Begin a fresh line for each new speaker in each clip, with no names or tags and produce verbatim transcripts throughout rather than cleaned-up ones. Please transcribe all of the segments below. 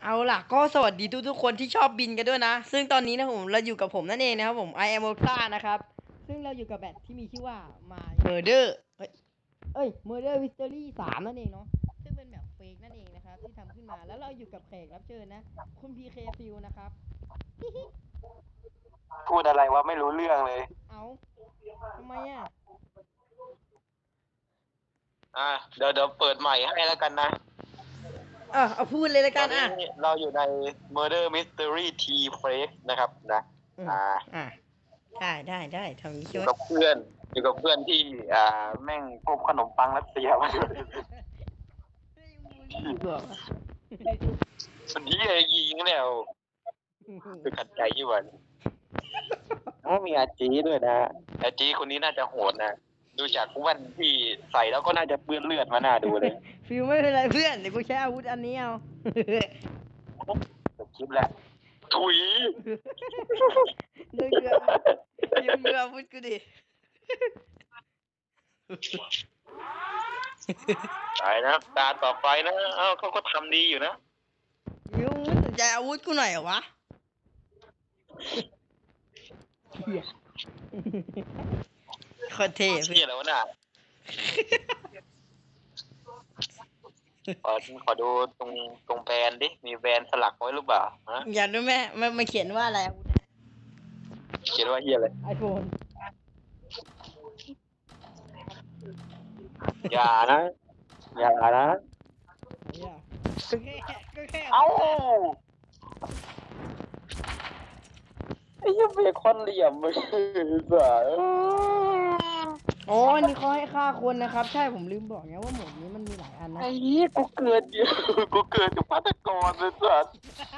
เอาล่ะก็สวัสดีทุกๆคนที่ชอบบินกันด้วยนะซึ่งตอนนี้นะผมเราอยู่กับผมนั่นเองนะครับผม I am Oka นะครับซึ่งเราอยู่กับแบทที่มีชื่อว่า My Murder เอ้ยเอ้ย Murder Mystery สามนั่นเองเนาะซึ่งเป็นแบบเฟกนั่นเองนะครับที่ทำขึ้นมาแล้วเราอยู่กับแขกรับเชิญนะคุณ พี เค Fill นะครับ
พูดอะไรวะไม่รู้เรื่องเลย
เอาทำไมอ่ะ
อ่ะเดี๋ยวเดี๋ยวเปิดใหม่ให้แล้วกันนะ
อ่ะเอาพูดเลยละ
ต
กั
อน นนี้
อ่ะ
เราอยู่ใน Murder Mystery T Freak นะครับนะ
อืม
อ่า
อ่ะได้ได้ได้ทำนี้
อ
ช่
ยู่
วย
กับเพื่อน อยู่กับเพื่อนที่ อ่า แม่งพบขนมปังรัสเซียมาด้วย
เฮ้ยมึงบูลลี่กูเหรอ
วันนี้ไอ้ยิงเนี่ยคือขัดใจยี่วันโอ้มีอาจีด้วยนะอาจีคนนี้น่าจะโหดนะ ดูจากแว่นที่ใส่แล้วก็น่าจะเปื้อนเลือดมาหน้าดูเลย
ฟิวไม่เป็นไรเพื่อนเดี๋ยวกูใช้อาวุธอันนี้เอา
จบคลิปแล้วถุย
ดูเรือฟิวเรืออาวุธกูดิ
ไปนะตาต่อไปนะเอ้าเขาก็ทำดีอยู่นะ
ฟิวมึงไม่สนใจอาวุธกูหน่อยเหรอวะเหี้ยโคตรเท่
เชี่
เพื่
ย
อน
แล้วะน่ะ ขอขอดูตรงตรงแบรนด์ดิ มีแบรนด์สลักไว้หรือเปล่าฮะ
อยากรู้ไหมมันมันเขียนว่าอะไรอาวุธ
เขียนว่าเฮียอะไร
ไอโฟน
อย่านะ อย่านะ
เนี่ยก็แค่ก็แค่
เอ้าไอ้ยังเบคอนเหลี่ยมไม่ใช่สา
อ๋ออันนี้เขาให้ฆ่าคนนะครับ ใช่ผมลืมบอกไงว่าหมวดนี้มันมีหลายอันนะ
ไอ้เหี้ยกูเกิดอยู่กูเกิดกับพัตกรเลยสัส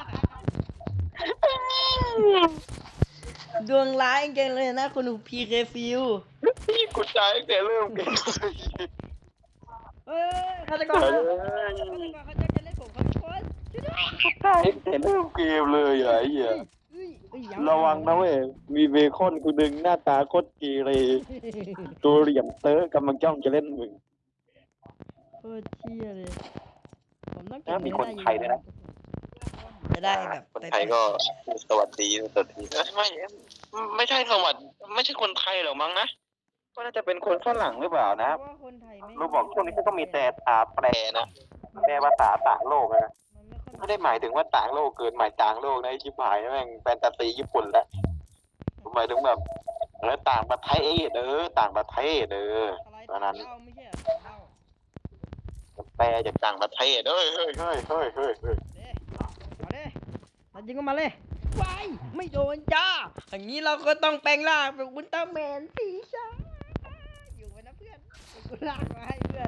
ดวงร้ายจริงๆเลยนะคุณ พี เค ฟิว
พี่กูตายตั้งแต่เริ่มเกม
เอ้ยฆาตกรฆาตกรเขาจะจะเล่นผมครับทุกคนช่วยด้วย
ตายตั้งแต่เริ่มเกมเลยอ่ะไอ้เหี้ย
เฮ้ยเฮ้ยยัง
ระวังนะเว้ย มีเบคอนกูดึงหน้าตาโคตรเกเรตัวเหลี่ยมเต๋อกำลังจ้องจะเล่นมึง
โคตรเชี่ยเลยผมต้องเก็
นะ
บ
มี
เงิน
คน
ได้
ไทยด้วยนะ
จะได้แบบ
คนไทยก็สวัสดีสวัสดีไม่ไม่ใช่สวัสดีไม่ใช่คนไทยหรอกมั้งนะก็น่าจะเป็นคนฝรั่งหรือเปล่านะ
เพราะว่าคนไทยไม่
เราบอกช่วงนี้ก็มีแต่ตาแปรนะแปลภาษาต่างโลกนะ
มันไม่ค่อย
ไม่ได้หมายถึงว่าต่างโลกเกินหมายต่างโลกนะไอ้ชิบหายแม่งแฟนตาซีญี่ปุ่นแหละหมายถึงแบบเออต่างประเทศเออต่างประเทศเออ
อะไร
ตอนนั้น
เล่าไม่ใช่เหรอเล่า
แปลจากต่างประเทศเฮ้ยเฮ้ยเฮ้ยเฮ้ยเฮ้ยเฮ้ย
เด้เอาเด้ตัดยิงก็มาเลยไปไม่โดนจ้าอย่างนี้เราก็ต้องแปลงร่างเป็นอุลตร้าแมนสีชาอยู่ไว้นะเพื่อนกูลากมาให้เพื่อน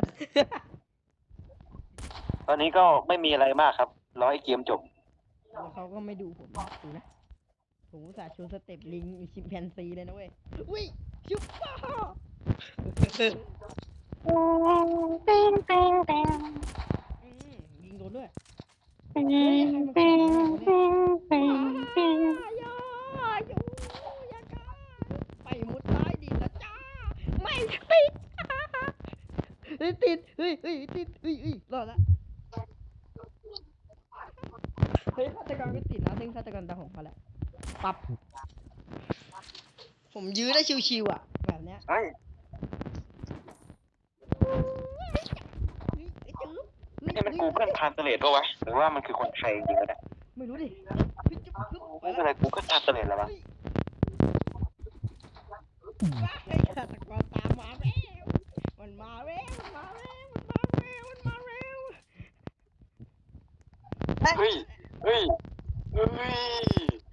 ตอนนี้ก็ไม่มีอะไรมากครับรอให้เกมจบ
แล้วเขาก็ไม่ดูผมนะดูนะผมอุตส่าห์โชว์สเต็ปลิงชิมแปนซีเลยนะเว้ยอุ้ยชุบป้าอืมยิงโดนด้วยเฮ้ยใครมาแข่งเนี่ยอย่าอย่าอย่ากล้าไปมุดใต้ดินแล้วจ้าไม่ติดเฮ้ยติดเฮ้ยเฮ้ยติดเฮ้ยเฮ้ยรอดละเฮ้ยฆาตกรก็ติดนะซึ่งฆาตกรตาผมเขาแหละปับผมยื้อได้ชิวๆอ่ะแบบเนี้ย
เฮ้ย
เฮ้ยไอ้จื๊บเฮ้ย
นี่มันกูเกิลทรานสเลทปะวะหรือว่ามันคือคนไทยจริงๆนะ
ไม่รู้ดิเฮ้ยจุ๊บจุ๊บไป
ไม่
แล้
เป็น
ว
ไรกูเกิลทรานสเลทแล้ววะ
ไอ้ฆาตกรตามมาแล้วมันมาแล้วมันมาแล้วมันมาแล้วมันมาแล้ว
เฮ้ยเฮ้ยเฮ้ย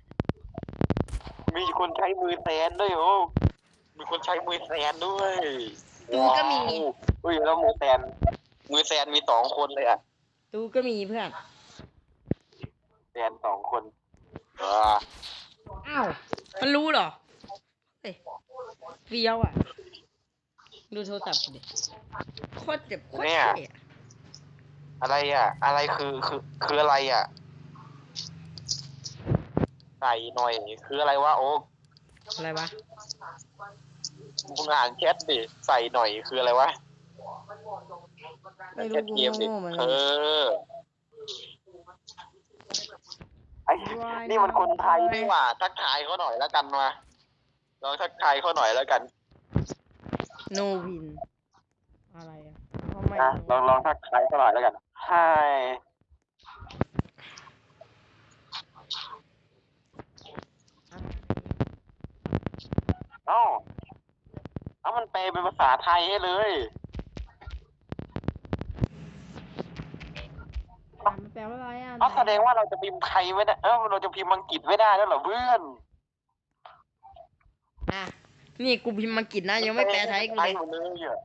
มีคนใช้มือแซนด้วยโอ้มีคนใช้มือแซนด้วย
ตูก็มี
เฮ้ยแล้วมือแซนมือแซนมีสองคนเลยอ่ะ
ตูก็มีเพื่อน
แซนสองคนอ่า
อ้าวมันรู้เหรอเฮ้ยเฟี้ยวอ่ะดูโทรศัพท์ดิโคตรเจ็บโคตรเท่อะ
อะไรอ่ะ อะไรคือคือคืออะไรอ่ะใส่หน่อยคืออะไรวะโอ๊ก
อะไรวะ
มึงอ่านแชทดิใส่หน่อยคืออะไรวะ
ไม่
แช
รู้
ท
กู
เกมดิ
โง่ๆเหมือน
เอ
กัน
อนี่มันคนไทยนี่หว่าทักทายเขาหน่อยแล้วกันมาลองทักทายเขาหน่อยแล้วกัน
โนวินอะไรอ่ะทำไม
นะลองลองทักทายเขาหน่อยแล้วกัน Hi เอ้าเอามันแปลเป็นภาษาไทยให้เลย
มันแปลว่าอะไรอ่ะ
เอาแสดงว่าเราจะพิมพ์ไทยไม่ได้เออเราจะพิมพ์อังกฤษไม่ได้แล้วเหรอเพื่อน
อ่ะนี่กูพิมพ์อังกฤษนะยังไม่แปลไทยกูเลย
หมดเลยอ่ะ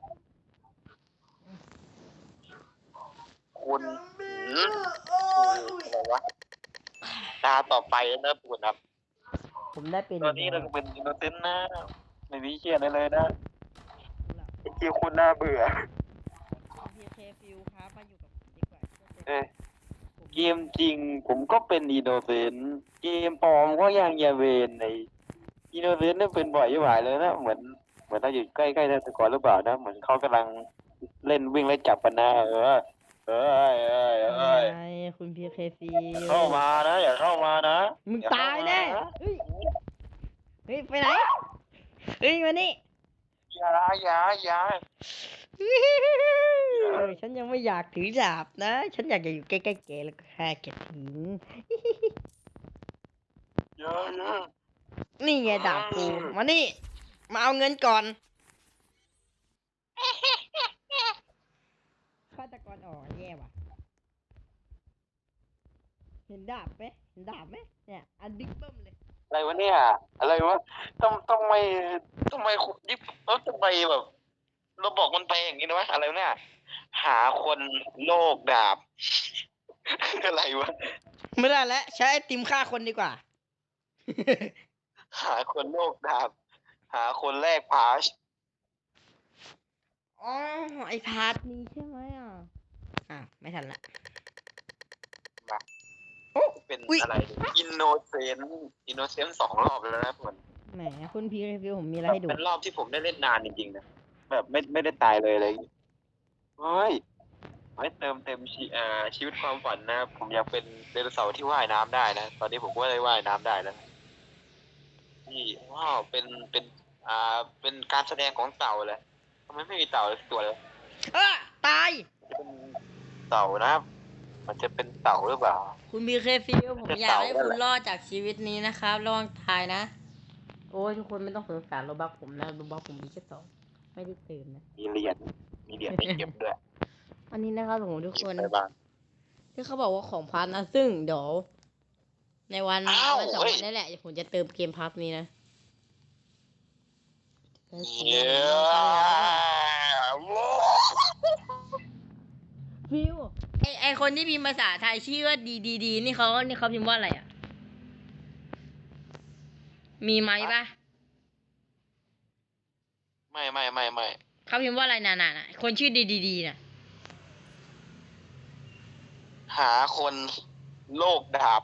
คุณหืมอะไรวะตาต่อไปนะปุ่นครับ
ผมได้เป็น
ตอนนี้เราก็เป็นอินโนเซนต์นะไม่มีเชี่ยอะไรเลยนะไอ้เกี่ยวคุณน่าเบื่อ
พีเคฟิวครับมาอยู่กับผมดีกว่า
เอ้ยเกมจริงผมก็เป็นอินโนเซนต์เกมปลอมก็ยังอย่าเวนในอินโนเซนต์นี่เป็นบ่อยยิ่งหวายเลยนะเหมือนเหมือนเราอยู่ใกล้ๆนาสกอร์หรือเปล่านะเหมือนเขากำลังเล่นวิ่งไล่จับกันนะเออเอ้ยเอ้ยเอ้ย
ไอ้คุณพีเคฟิว
เข้ามานะอย่าเข้ามานะ
มึงตายแน่เฮ้ยเฮ้ยไปไหนเฮ้ยมานี่
อย่าอย่าอย่า
เออฉันยังไม่อยากถือดาบนะ ฉันอยากจะอยู่ใกล้ๆแกแล้วก็แค่แกถึง
อย่าอย่า
นี่ไงดาบกูมานี่ มาเอาเงินก่อนฆาตกรออกแย่ว่ะเห็นดาบไหมเห็นดาบไหมเนี่ยอันบิ๊กเบิ้มเลย
อะไรวะเนี่ยอะไรวะต้องต้องไม่ต้องไม่ยิบเออทำไมแบบเราบอกมันไปอย่างนี้นะวะอะไรวะเนี่ยหาคนโลกดาบ อะไรวะ
ไม่ได้แล้วใช้ไอติมฆ่าคนดีกว่า
หาคนโลกดาบ หาคนแรกพาช
อ๋อไอพาร์ทนี้ใช่ไหมอ่ะอ่ะไม่ทันละโอ้
เป็น
อุ๊ย
อะไรอินโนเซนต์อินโนเซนต์สองรอบแล้วนะผม
แหมคุณพีรีวิวผมมีอะไรให้ดู
เป็นรอบที่ผมได้เล่นนานจริงๆนะแบบไม่ไม่ได้ตายเลยอะไรอย่างเลยเฮ้ยไว้เติมเต็มชีอ่าชีวิตความฝันนะ ผมอยากเป็นไดโนเสาร์ที่ว่ายน้ำได้นะ ตอนนี้ผมก็ได้ว่ายน้ำได้แล้วนี่ว้าวเป็นเป็นอ่าเป็นการแสดงของเต่าเลยทำไมไม่มีเต่าเลยตัวเลย
เออตาย
เป็นเต่านะมันจะเป็นเต่าหรือเปล่า
คุณพีเคฟิวผมอยากให้คุณรอดจากชีวิตนี้นะครับระวังตายนะ โอ้ยทุกคนไม่ต้องสงสารโรบักผมนะโรบักผมมีแค่สองไม่ได้เติมนะ
มีเหรียญมีเหรียญให้เก็บด้วย
อันนี้นะครับผมทุกคน
เก็บอะไรบ้าง
ที่เขาบอกว่าของพัทนะซึ่งเดี๋ยวในวัน
อ้าว
วันสอง
เฮ้ย
วันนี้แหละผมจะเติมเกมพัทนี้นะ
เย้
ฟิวไอไอคนที่พิมพ์ภาษาไทยชื่อว่าดีดีดีนี่เขานี่เขาพิมพ์ว่าอะไรอ่ะ มีไหมปะ
ไม่ไม่ไม่ไม่
เขาพิมพ์ว่าอะไรน่ะน่ะน่ะคนชื่อดีดีดีน่ะ
หาคนโลกดาบ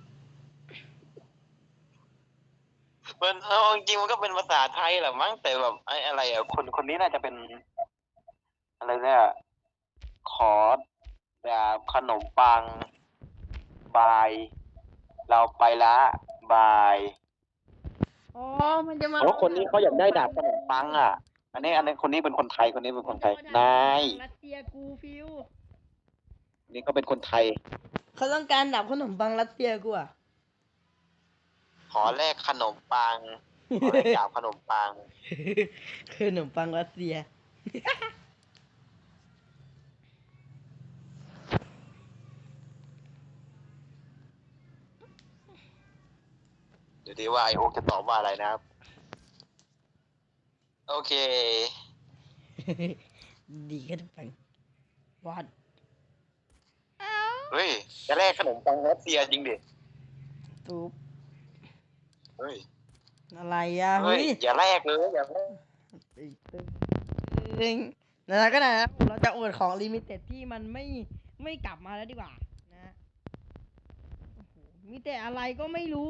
มันเอาจริงๆมันก็เป็นภาษาไทยแหละมั้งแต่แบบไอ้อะไรอ่ะคนคนนี้น่าจะเป็น อะไรเนี่ยขอดาบขนมปัง บาย เราไปละบาย
อ๋อมันจะมา
เพราะคนนี้เขาอยากได้ดาบขนมปังอ่ะ อันนี้ อันนี้คนนี้เป็นคนไทยคนนี้เป็นคนไทยนาย
รัสเซียกูฟิว
นี่ก็เป็นคนไทย
เขาต้องการดับขนมปังรัสเซียกูอ่ะ
ขอแลกขนมปังขอแลกดาบขนมปัง
ขนมปังรัสเซีย
เดี๋ยวดีว่าไอโอ๊กจะตอบว่าอะไรนะครับ โอเค
ดีขนมปังวัด
เฮ้ย จะแลกขนมปังรัสเซียจริงดิ
ตูบ
เฮ้ย
อะไรอ่ะ
เฮ้
เฮ้
ย
ย
อย่าแลกเลยอย่าแลก
ตึงตึงตึงนั่นก็นะเราจะอวดของลิมิเต็ดที่มันไม่ไม่กลับมาแล้วดีกว่านะโอ้โหมีแต่อะไรก็ไม่รู้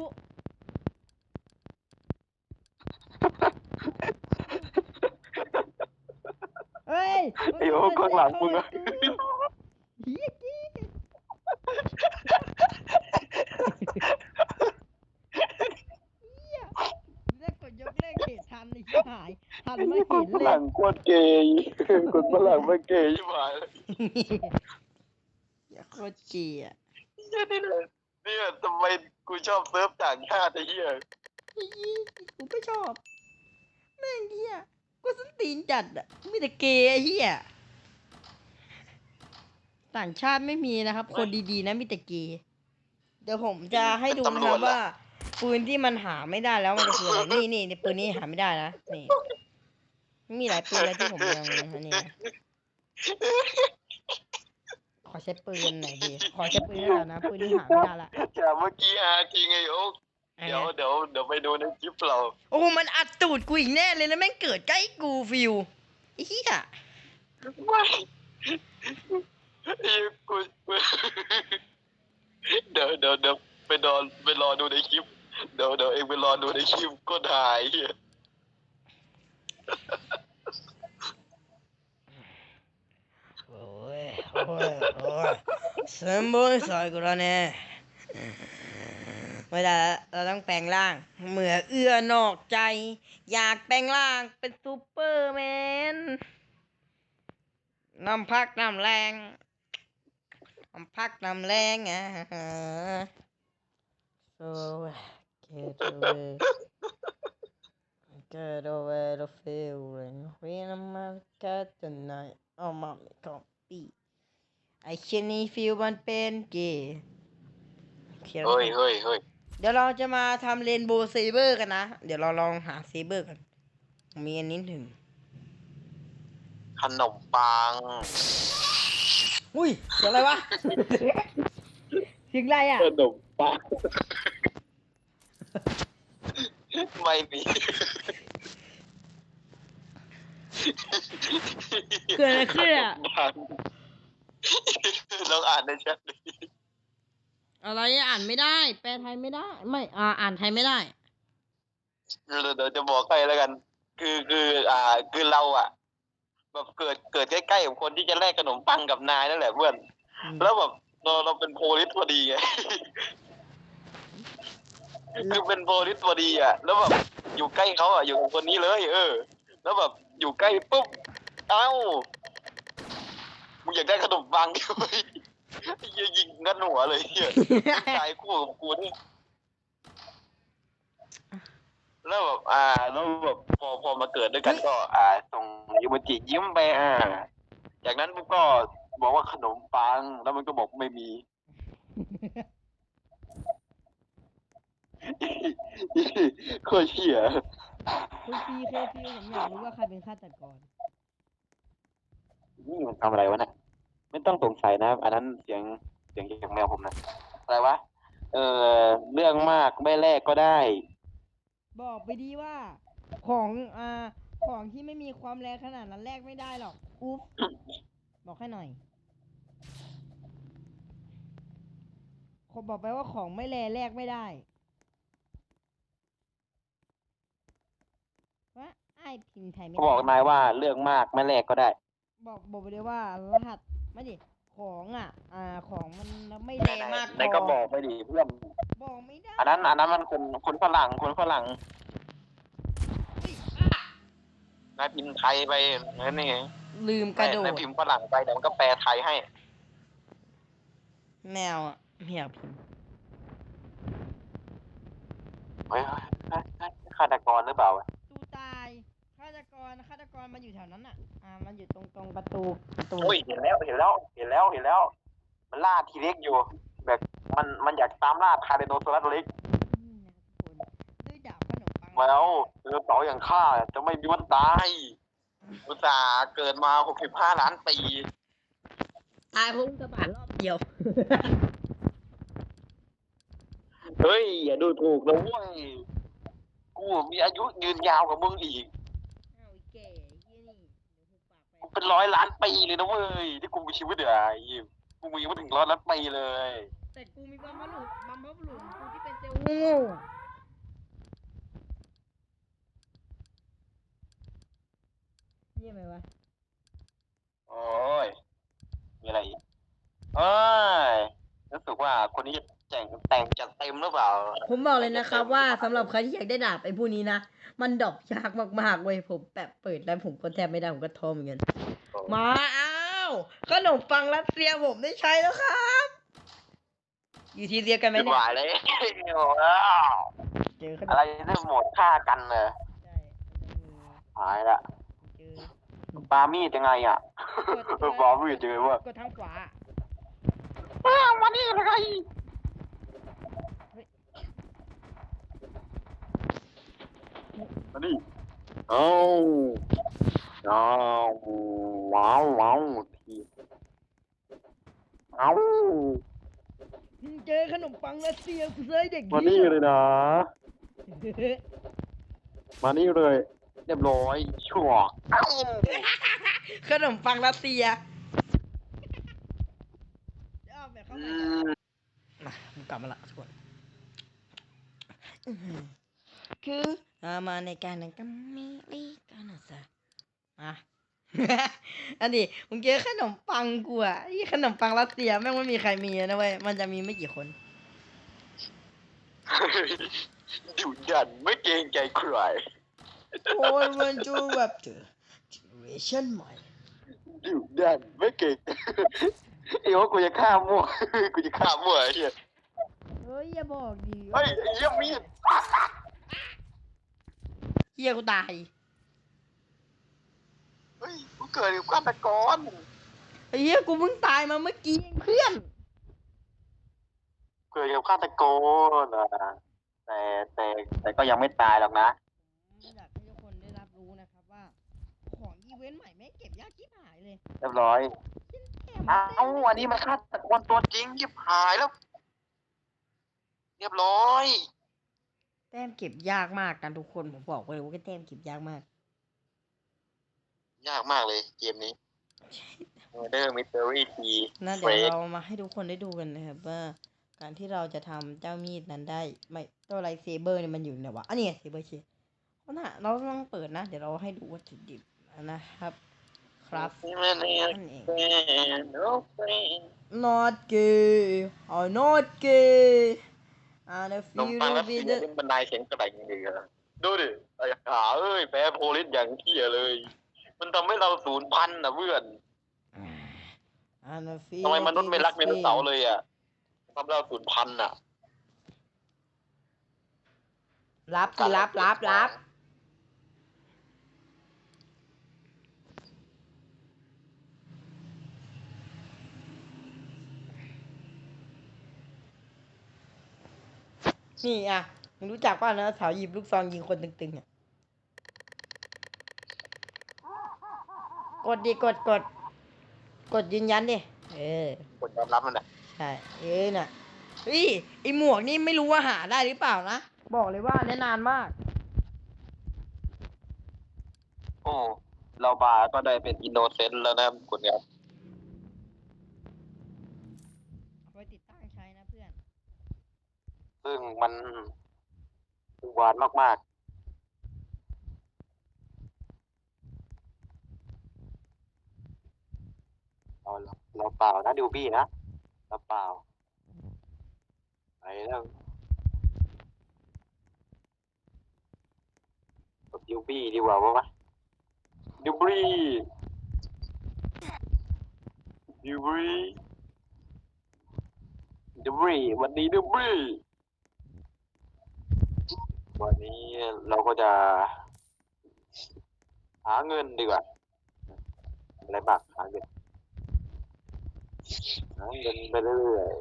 เฮ้ย
ไอ้โอ๊กข้างหลังมึงอะ
เฮียกี้
ฝรั่งโคตรเกย์คนฝรั่งไม่เกย์ใช่ไหม
อย่าโคตรเจีอ่ะ
เนี่ยนี่เลยเนี่ยทำไมกูชอบเซิร์ฟต่างชาติไอ้เหี้ย
ไอ้ยี่กูก็ชอบแม่งเหี้ยกูส้นตีนจัดอ่ะมีแต่เกย์ไอ้เหี้ยต่างชาติไม่มีนะครับ คนดีๆนะมีแต่เกย์เดี๋ยวผมจะให้ดูนะครับว่าปืนที่มันหาไม่ได้แล้วมันจะคืออะไรนี่นี่นี่ปืนนี้หาไม่ได้นะนี่มีหลายปืนเลยที่ผมยังอันนี้นะขอใช้ปืนหน่อยดิขอใช้ปืนได้แล้วนะปืนนี้หาไม่ได้ละ
จากเมื่อกี้อาจริงไงโอ๊ก
อ่ะ
เดี๋ยวเดี๋ยวเดี๋ยวไปดูในคลิปเรา
โอ้มันอัดตูดกูอีกแน่เลยแล้วแม่งเกิดใกล้กูฟิวไอ้เหี้ย
ไม่ไอ้กูกูเดี๋ยวเดี๋ยวเดี๋ยวไปรอไปรอดูในคลิปเดี๋ยวเดี๋ยวเองไปรอดูในคลิปก็ถ่ายเหี้ย
โอ้ยโอ้ยโอ้ยสมบูรณ์สอยกูแล้วเนี่ยไม่ได้แล้วเราต้องแปลงร่างเหมือเอื้อนอกใจ อยากแปลงร่างเป็นซูเปอร์แมนน้ำพักน้ำแรงน้ำพักน้ำแรงอ่ะ so get away get away the feeling when I'm at the night oh mommy can't be ไอเช่นนี้ฟิลมันเป็นเกย์เขียน
เฮ้ยเฮ้ยเฮ้ย
เดี๋ยวเราจะมาทำเรนโบว์เซเบอร์กันนะ เดี๋ยวเราลองหาเซเบอร์กัน มีอันนี้ถึง
ขนมปัง
อุ้ยเสียงอะไรวะ เสียงอะไรอ่ะ
ขนมปังไม่มี
เกิดอะไรขึ้นอ่ะ
ลองอ่านในแชทดิ
อะไรอะอ่านไม่ได้ แปลไทยไม่ได้ ไม่อ่าอ่านไทยไม่ได้
เดี๋ยวเดี๋ยวจะบอกใครแล้วกัน คือคืออ่าคือเราอ่ะแบบเกิดเกิดใกล้ๆกับคนที่จะแลกขนมปังกับนายนั่นแหละเพื่อน
อืม
แล้วแบบเราเราเป็นโพลิสพอดีไง คือเป็นโพลิสพอดีอ่ะ แล้วแบบอยู่ใกล้เขาอ่ะอยู่กับคนนี้เลย เออ แล้วแบบอยู่ใกล้ปุ๊บ เอ้ามึงอยากได้ขนมปังใช่ไหมไอ้เหี้ยยิงงัดหัวเลยเหี้ยตายคู่กับกูนี่แล้วแบบอ่าแล้วแบบพอพอมาเกิดด้วยกันก็ อ่าส่งยูมจิยิ้มไปอ่า จากนั้นปุ๊บก็บอกว่าขนมปัง แล้วมันก็บอกไม่มี โคตรเชี่ย
คุณซีเคฟิวผมอยากรู้ว่าใครเป็นฆาตกร
นี่มันทำอะไรวะเนี่ยไม่ต้องสงสัยนะ อันนั้นเสียงเสียงจากแมวผมนะ อะไรวะ เออเรื่องมากไม่แลกก็ได้
บอกไปดีว่า ของอ่าของที่ไม่มีความแรงขนาดนั้นแลกไม่ได้หรอก อุ๊บ บอกให้หน่อยขอบอกไปว่าของไม่แรงแลกไม่ได้ว่าไอ้พิมพ์ไทยไม่
เขา
ได้
บอกนายว่าเรื่องมากไม่แลกก็ได้
บอกบอกไปเลยว่ารหัสไม่ดิของอ่ะ อ่าของมันไม่แรงมากพ
นายก็บ
อ
อกไปดิเพื่อน
บอกไม่ได้
อันนั้น อันนั้นมันคนคนฝรั่งคนฝรั่ง
เฮ้ยอ่ะ
นายพิมพ์ไทยไปนั่นนี่ไง
ลืมกระโด
นา
ด
ยพิมพ์ฝรั่งไปเดี๋ยวมันก็แปลไทยให้
แมวอ่ะไม่อยากพิมพ์
เฮ้ยเฮ้ยเฮ้ยเฮ้ยฆาตกรหรือเปล่าวะ
ตูตายฆาตกรฆาตกรมันอยู่แถวนั้นอ่ะ อ่า มันอยู่ตรงตรงประตูประตู
โอ้ยเห็นแล้วเห็นแล้วเห็นแล้วเห็นแล้ว มันล่าทีเล็กอยู่ แบบมันมันอยากตามล่าคาร์เดโนซอรัสเล็ก
นี่นะครับทุกคนด้วยดาบขนมปัง
มาแล้วเออเสาอย่างข้าจะไม่มีวันตายอุตส่าห์เกิดมาหกสิบห้าล้านปี
ตายเพราะอุกกาบาตรอบเดียว
เฮ้ยอย่าดูถูกนะเว้ยกูมีอายุยืนยาวกว่ามึงอีก
อ้าวไอ้แก่เฮียนี่เดี๋ยวหูปากไป
กูเป็นร้อยล้านปีเลยนะเว้ยที่กูมีชีวิตเดี๋ยวไอ้ยิมกูมีมาถึงร้อยล้านปีเลย
แต่กูมีบัมบัลลูบัมบัลลูกูที่เป็นเซลล์โง่เยี่ยมไหมวะ
โอ้ยมีอะไรอีกเอ้ยรู้สึกว่าว่าคนนี้แต่งแต่งจัดเต็มหรือเปล่า
ผมบอกเลยนะครับว่าสำหรับใครที่อยากได้ดาบไอ้พวกนี้นะมันดรอปยากมากๆเว้ยผมแบบเปิดแล้วผมก็แทบไม่ได้ผมก็ท้อเหมือนกันมาอ้าวขนมปังรัสเซียผมได้ใช้แล้วครับอยู่ที่เดียวกันไหม
ไม่
เนี่
ไหวย เลยว้าว
เจอขน
อะ
ม
ไรนี่หมดฆ่ากันเลย
ใช่มันจะมี
หายละ
เจอ
ปามีดยังไงอ่ะปามีดยังไงวะ
กดทางขวา
อ้าวมานี่เลยมานี่เอาเอาว้าวว้าวทีเอา
เจอขนมปังรัสเซียกูเลยเด็ก
มานี่เลยนะ มานี่เลย เรียบร้อยชั่วเอ้า
ขนมปังรัสเซียเอาแบบเข้า
อื
ไป
ม
มาผมกลับมาละทุกคนอื้อหือคือเอามาในการนั้นก็ไม่รีกันนะจ๊ะอ่ะ อันนี้มึงเจอขนมปังกูอ่ะไอ้ขนมปังรัสเซียแม่งไม่มีใครมีนะเว้ยมันจะมีไม่กี่คน
ดุดันไม่เกรงใจใคร
โอ้ยมันจูแบบเจอเจเนอเรชั่นใหม่
ดุดันไม่เก่ง เอ้ว่ากูจะฆ่ามั่ว กูจะฆ่ามั่วไอ้เหี้ย
เฮ้ยอย่าบอกดิ
เฮ้ยไอ้เหี้ยมีด
เฮียกูตาย
เฮ้ยกูเกิดอยู่ฆาตกร
ไอ้เฮียกูเพิ่งตายมาเมื่อกี้เองเพื่อน
เกิดอยู่ฆาตกรอ่ะแต่แต่แต่ก็ยังไม่ตายหรอกนะ
อยากให้ทุกคนได้รับรู้นะครับว่า ของอีเวนต์ใหม่แม่งเก็บยากที่หายเลย
เรียบร้อย
แถม
เอ้าอันนี้มันฆาตกรตัวจริงยิบหายแล้ว เรียบร้อย
แต้มเก็บยากมากกันทุกคนผมบอกเลยว่าแต้มเก็บยากมาก
ยากมากเลยเกมนี้ Murder Mystery ที
นะเดี๋ยวเรามาให้ทุกคนได้ดูกันนะครับว่า การที่เราจะทำเจ้ามีดนั้นได้ไม่ตัวไลท์เซเบอร์เนี่ยมันอยู่ไหนวะอันนี้เซเบอร์เชฟเพราะน่ะเราต้องเปิดนะ เดี๋ยวเราให้ดูวัตถุดิบนะครับ ครับนั่นเอง not gay or not gay and if
นม
you
ปัง
do
รัส
be
เซีย
the
นี่บันไดเสียงกระดิ่งดีอะดูดิไอ้ขาเอ้ยแพ้โพลิสอย่างเที่ยเลย มันทำให้เราสูญพันธุ์นะเพื่อน
and if
ทำไม
you
มนุษย์ไม่รักไดโนเสาร์เลยอ่ะทำให้เราสูญพันธุ์อ่ะ
รับสิรับรับรับนี่อ่ะมึงรู้จักป่ะนะสาวหยิบลูกซองยิงคนตึงๆอ่ะกดดิกดกดกดยืนยันดิเออ
คนยอมรับมันแหละ
ใช่เออน่ะเฮ้ยไอหมวกนี่ไม่รู้ว่าหาได้หรือเปล่านะบอกเลยว่าได้นานมาก
โอ้เราบาก็ได้เป็นอินโนเซนต์แล้วนะคุณครับ
เอาไปติดตั้งใช้นะเพื่อน
ซึ่งมันหวานมากๆเราเราเปล่านะดิวบี้นะเราเปล่าไปแล้วกับดิวบี้ดีกว่าวะดิวบี้ดิวบี้ดิวบี้วันนี้ดิวบี้วันนี้เราก็จะ หาเงินดีกว่าอะไรบ้างหาเงินหาเงินไปเรื่อย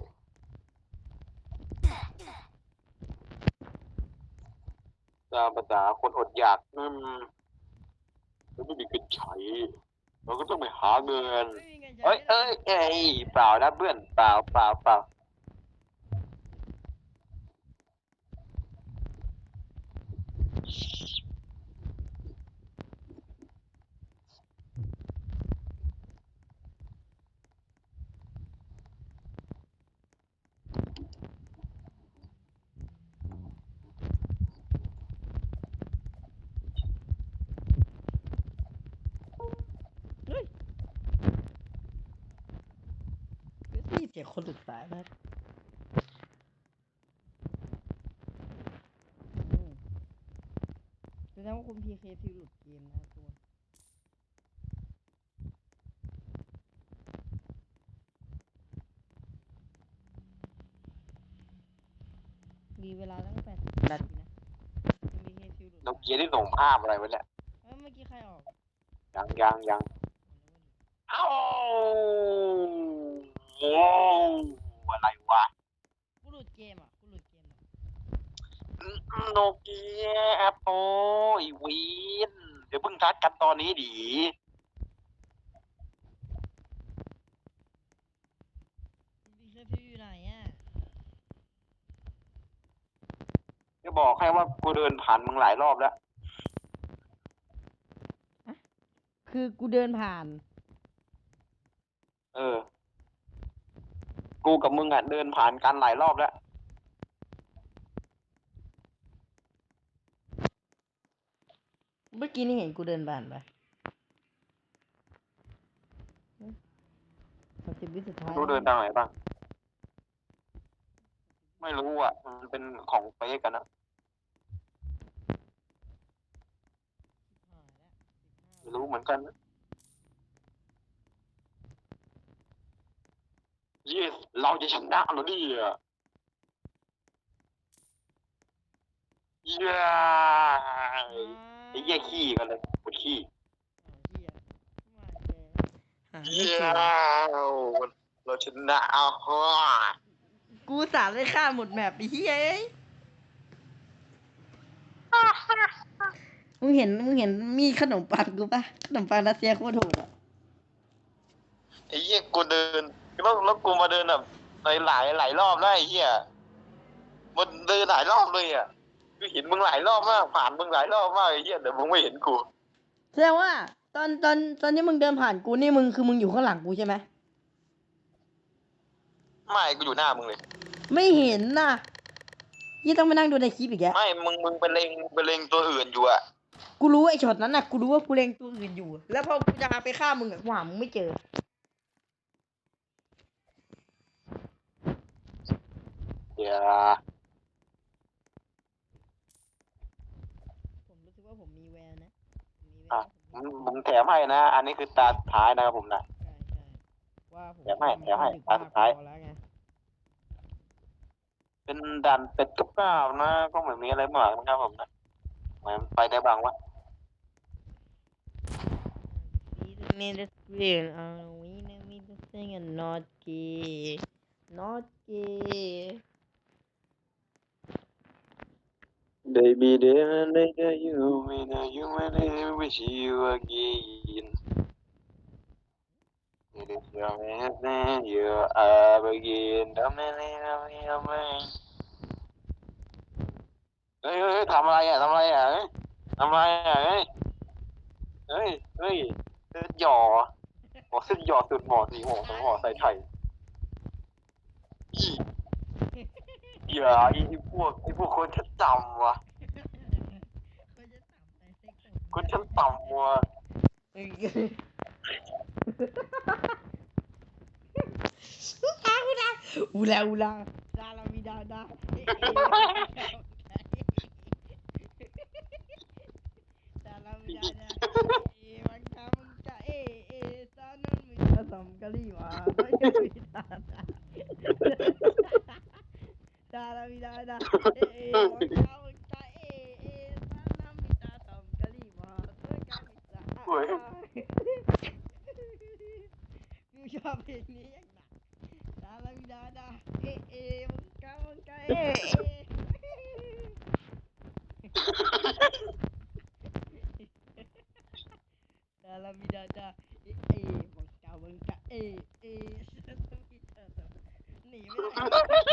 ๆตามภาษาคนอดอยากอืมมันไม่มีเงินใช้เราก็ต้องไปหาเงิน
ไม่มีเงินใช้
เอ้ยเอ้ยเอ้ยเปล่านะเพื่อนเปล่าเปล่าเปล่า
เฮ้ยนี่เสียงคนหลุดสายมากดงว่าคุณ พี เค ที หลุดเกมนะครับทุกคนมีเวลาตั้งแต่นาทีนะ พี เค ที หลุด
เราเกียร์ที่ส่งภาพอะไรไว้เนี่ย
เอ้ยเมื่อกี้ใครออก
ยังยังยังเอ้าโอ้อะไรวะ
กูหลุดเกมอ่ะกูหลุดเกมอ่ะ
โนเกียแอปโปอีวีนเดี๋ยวเพิ่งทักกันตอนนี้ดี
พี เค ที อยู่ไหนอ่ะ
จะบอกให้ว่ากูเดินผ่านมึงหลายรอบแล้ว
คือกูเดินผ่าน
เออ กูกับมึงอ่ะเดินผ่านกันหลายรอบแล้ว
เมื่อกี้นี่เห็นกูเดินผ่านไปสามสิบวิสุดท้าย
รู้เดินทางไหนบ้าง ไม่รู้อ่ะ มันเป็นของเฟซกันนะไม่รู้เหมือนกันนะยี่เราจะชนะเหรอเนี่ยเย้ไอ้เหี้ยขี้กันเลยปวดขี้
หาไม่
เย้
เจอ
เราชนะเอาฮะ
กูสามได้ฆ่าหมดแมปไอ้เหี้ยเอ้ยมึงเห็นมึงเห็นมีขนมปังกูปะขนมปังรัสเซียโคตรโหดอ่ะ
ไอ้เหี้ยกูเดินแล้วแล้วกูมาเดินแบบหลายหลายหลายรอบแล้วไอ้เหี้ยมันเดินหลายรอบเลยอ่ะกูเห็นมึงหลายรอบมากผ่านมึงหลายรอบมากไอ้เหี้ยแต่มึงไม่เห็นกู
แสดงว่า ตอนตอนตอนที่มึงเดินผ่านกูนี่มึงคือมึงอยู่ข้างหลังกูใช่ไหม
ไม่กูอยู่หน้ามึงเลย
ไม่เห็นน่ะยี่ต้องมานั่งดูในคลิปอีกแก
ไม่มึงมึงไปเล็งไปเล็งตัวอื่นอยู่อ่ะ
กูรู้ไอ้ช็อตนั้นน่ะกูรู้ว่ากูเล็งตัวอื่นอยู่ แล้วพอกูจะไปฆ่ามึงอะกูหามึงไม่เจอ
เดี๋ยว
ผมรู้สึกว่าผมมีแววนะผมมีแว
อ่ะ
ว
ผมผมแถมให้นะ อันนี้คือตาสุดท้ายนะครับผมนะ
ใช่ใช่ว่าผม
เดี๋ยวให้เดี๋ยวให้
ดึก
ตามสุดท้าย
พอแล้วไง
เป็นดันเป็ดกับข้าวนะ ก็เหมือนมีอะไรมากนะครับผมนะเหมือนไปได้บ้างวะ
Need the screen uh, we need to sing and not gay not gay
Baby, there, later you, later you, later wish you again. It is your man, you are again. The man, the man. เฮ้ยเฮ้ยทำอะไรอ่ะทำอะไรอ่ะเฮ้ยทำอะไรอ่ะเฮ้ยเฮ้ยเฮ้ยเส้นหย่อบอกเส้นหย่อสุดหมอสีหมอสองหมอใส่ไข่อีอย่าไอ้พวกไอ้พวกคนชั้นต่ำวะคนชั้นต่ำวะ
Ula ula da la vida da da la vida da eh mangka mangka eh eh sanan mita sam kali wa da vida da da la vida da eh eh mangka mangka eh eh sanan mita sam kali wa da ka mita
โอ้ย
กูชอบเพลงนี้อย่างหนัก Da la vida da eh eh mangka mangka eh eh Da la vida da eh eh mangka mangka eh eh sanan mita sam หนีไม่ได้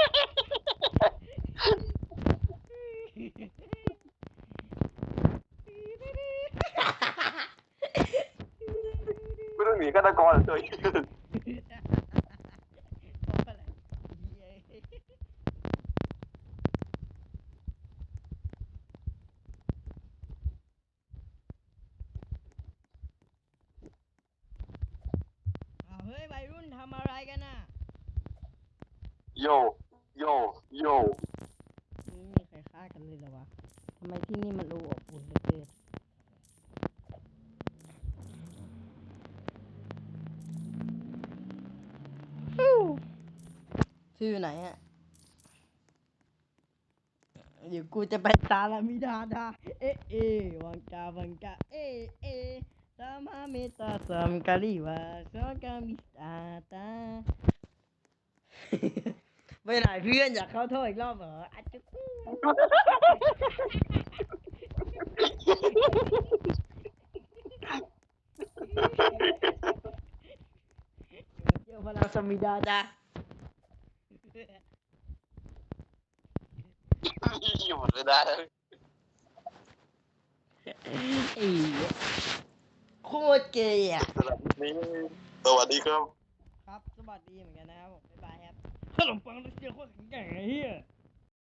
ไม่ต้องหนีฆาตกรเลย
เพราะอะไรเหี้ยอ้าวเฮ้ยวัยรุ่นทำอะไรกันน่ะ
โยโยโย
ไม่มีใครฆ่ากันเลยเหรอวะทำไมที่นี่มันดูอบอุ่นเหลือเกินไหนอะเดี๋ยวกูจะไปตาลามิดาดาเอะเอวังกาวังกาเอะเอสามาเมตาสัมกาลิวาสกามิตาตา ไปไหนเพื่อนอยากเข้าโทษอีกรอบเหรออาจจะเจอพลังสมิดาจ้ะ
อยู่หมดเลยนะ
อีโคตรเกย์อ่ะ
สำหรับวันนี้สวัสดีครับ
ครับสวัสดีเหมือนกันนะครับผมบ๊ายบายครับขนมปังรัสเซียโคตรแข็งแกร่งไอ้เหี้ย